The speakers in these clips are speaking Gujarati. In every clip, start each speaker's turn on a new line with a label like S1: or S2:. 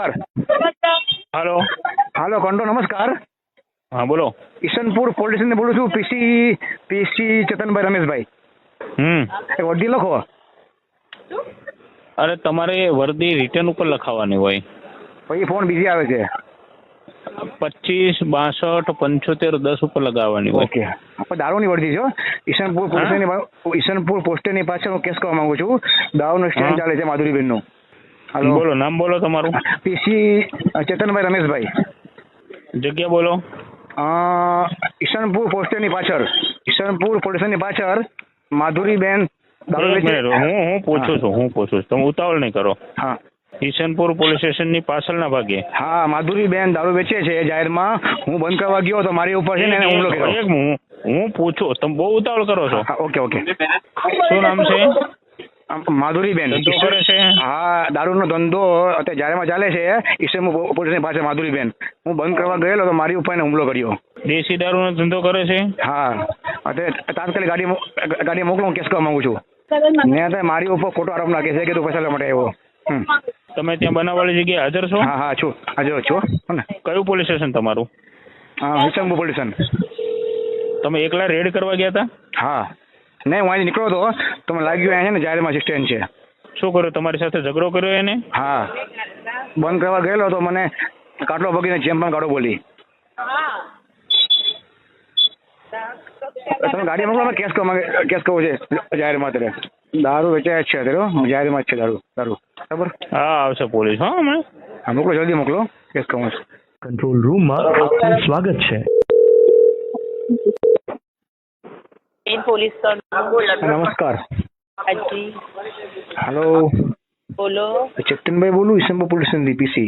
S1: નમસ્કાર.
S2: હાલો.
S1: હાલો કંટ્રોલ નમસ્કાર.
S2: હા બોલો.
S1: ઈશનપુર પોલીસ સ્ટેશન બોલું છું. પીસી ચેતનભાઈ રમેશભાઈ. એ વર્દી લખો.
S2: અરે તમારે વર્દી રિટર્ન ઉપર લખાવવાની હોય.
S1: પછી ફોન બીજી આવે છે.
S2: 25 62 75 10 ઉપર લગાવવાની હોય.
S1: ઓકે. આપણે દારૂની વર્દી છો. ઈશનપુર પોસ્ટની પાછળ હું કેસ કરવા માંગુ છું. દારૂનું સ્ટેન્ડ ચાલે છે માધુરીબેનનું. હાલો
S2: બોલો, નામ બોલો તમારું.
S1: પીસી ચેતનભાઈ રમેશભાઈ.
S2: જગ્યા બોલો.
S1: ઈશનપુર પોસ્ટની પાછળ, ઈશનપુર પોલીસ સ્ટેશનની પાછળ માધુરીબેન દારૂ
S2: એક
S1: વેચે.
S2: મિનિટ, હું પૂછું છું. તમે ઉતાવળ નહીં કરો.
S1: હા
S2: ઈશનપુર પોલીસ સ્ટેશનની પાછળના ભાગે.
S1: હા માધુરીબેન દારૂ વેચે છે જાહેરમાં. હું બંધ કરવા ગયો તો મારી ઉપર છે ને એને હુમલો કર્યો.
S2: હું પૂછું, તમે બહુ ઉતાવળ કરો છો.
S1: હા, ઓકે ઓકે.
S2: શું નામ છે?
S1: માધુરીબેન.
S2: ધંધો કરે છે?
S1: હા, દારૂનો ધંધો અત્યારે જાહેરમાં ચાલે છે. ઈશનપુર પોલીસની પાસે માધુરીબેન. હું બંધ કરવા ગયેલો તો મારી ઉપર એને હુમલો કર્યો.
S2: દેશી દારૂનો ધંધો કરે છે?
S1: હા, અત્યારે તાત્કાલિક ગાડી મોકલો. હું કેસ કરવા માંગુ છું. ને અત્યારે મારી ઉપર ખોટો આરોપ નાખે છે કે તું પૈસા લેવા માટે આવ્યો.
S2: તમે ત્યાં બનાવવાળી જગ્યાએ હાજર છો?
S1: હા હા છું, હાજર છું. ને
S2: કયું પોલીસ સ્ટેશન તમારું?
S1: Ishanpur police station.
S2: તમે એકલા રેડ કરવા ગયા હતા?
S1: હા, નહીં હું અહીંથી નીકળ્યો હતો તો મને લાગ્યું અહીંયા છે ને જાહેરમાં સ્ટેન્ડ છે.
S2: શું કર્યું? તમારી સાથે ઝઘડો કર્યો એને?
S1: હા, બંધ કરવા ગયેલો તો મને કાટલો ભગીને જેમ પણ કાઢો બોલી. તમે ગાડી મોકલો. કેસ કરવો છે જાહેરમાં. અત્યારે દારૂ વેચાય જ છે. અત્યારે જાહેરમાં જ છે દારૂ. બરાબર?
S2: હા, આવશે પોલીસ. હા, હમણાં.
S1: હા, મોકલો, જલ્દી મોકલો. કેસ કરવો છે.
S3: કંટ્રોલ રૂમમાં આપનું સ્વાગત છે.
S4: પોલીસ
S1: નમસ્કાર.
S4: હાજી
S1: હેલો,
S4: બોલો.
S1: ચેતનભાઈ બોલું, ઈશનપુર પોલીસ સ્ટેશનથી પીસી.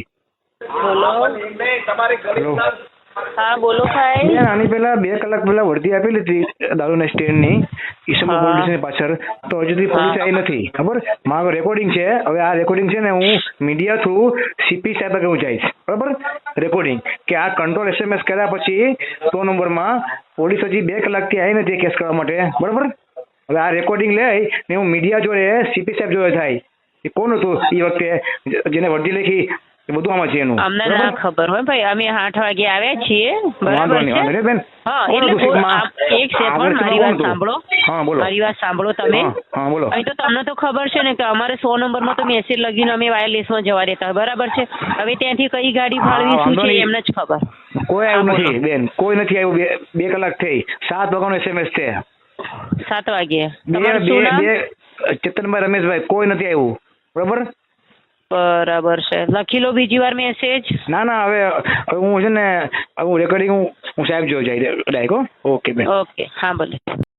S4: બોલો.
S1: હેલો.
S4: હા બોલો ભાઈ.
S1: બેન, આની પહેલા 2 કલાક પહેલા વર્દી આપેલી હતી દારૂના સ્ટેન્ડની ઈશનપુર પોલીસ સ્ટેશનની પાછળ. તો હજુ સુધી પોલીસ આવી નથી. ખબર? મારો રેકોર્ડિંગ છે. હવે આ રેકોર્ડિંગ છે ને હું મીડિયા થ્રુ સીપી સાહેબ આગળ હું જઈશ. બરાબર? રેકોર્ડિંગ કે આ કંટ્રોલ SMS કર્યા પછી 100 નંબરમાં પોલીસ હજી 2 કલાકથી આવી નથી કેસ કરવા માટે. બરાબર? હવે આ રેકોર્ડિંગ લઈ ને હું મીડિયા જોડે સીપી સાહેબ જોડે થાય એ કોણ હતું એ વખતે જેને વર્દી લખી એ બધું આમાં છે એનું.
S4: અમને ના ખબર હોય ભાઈ. અમે 8 વાગે આવ્યા છીએ. બરાબર છે?
S1: બેન.
S4: હા, એટલે એક સેકન્ડ મારી વાત સાંભળો.
S1: હા બોલો.
S4: મારી વાત સાંભળો તમે.
S1: હા બોલો.
S4: અહીં તો તમને તો ખબર છે ને કે અમારે 100 નંબરમાં તો મેસેજ લગીને અમે વાયરલેસમાં જવા દેતા. બરાબર છે? હવે ત્યાંથી કઈ ગાડી ફાળવી શું છે એમને જ ખબર.
S1: કોઈ આવ્યું નથી બેન, કોઈ નથી આવ્યું. 2 કલાક થઈ. 7 વાગ્યાનો SMS છે.
S4: 7 વાગે. તમારું શું નામ?
S1: ચેતનભાઈ રમેશભાઈ. કોઈ નથી આવ્યું. બરાબર?
S4: બરાબર છે. લખી લો બીજી વાર મેસેજ.
S1: ના હવે હું છે ને હું રેકોર્ડિંગ હું સાહેબ જોઈ જાય. ઓકે બેન.
S4: ઓકે, હા ભલે.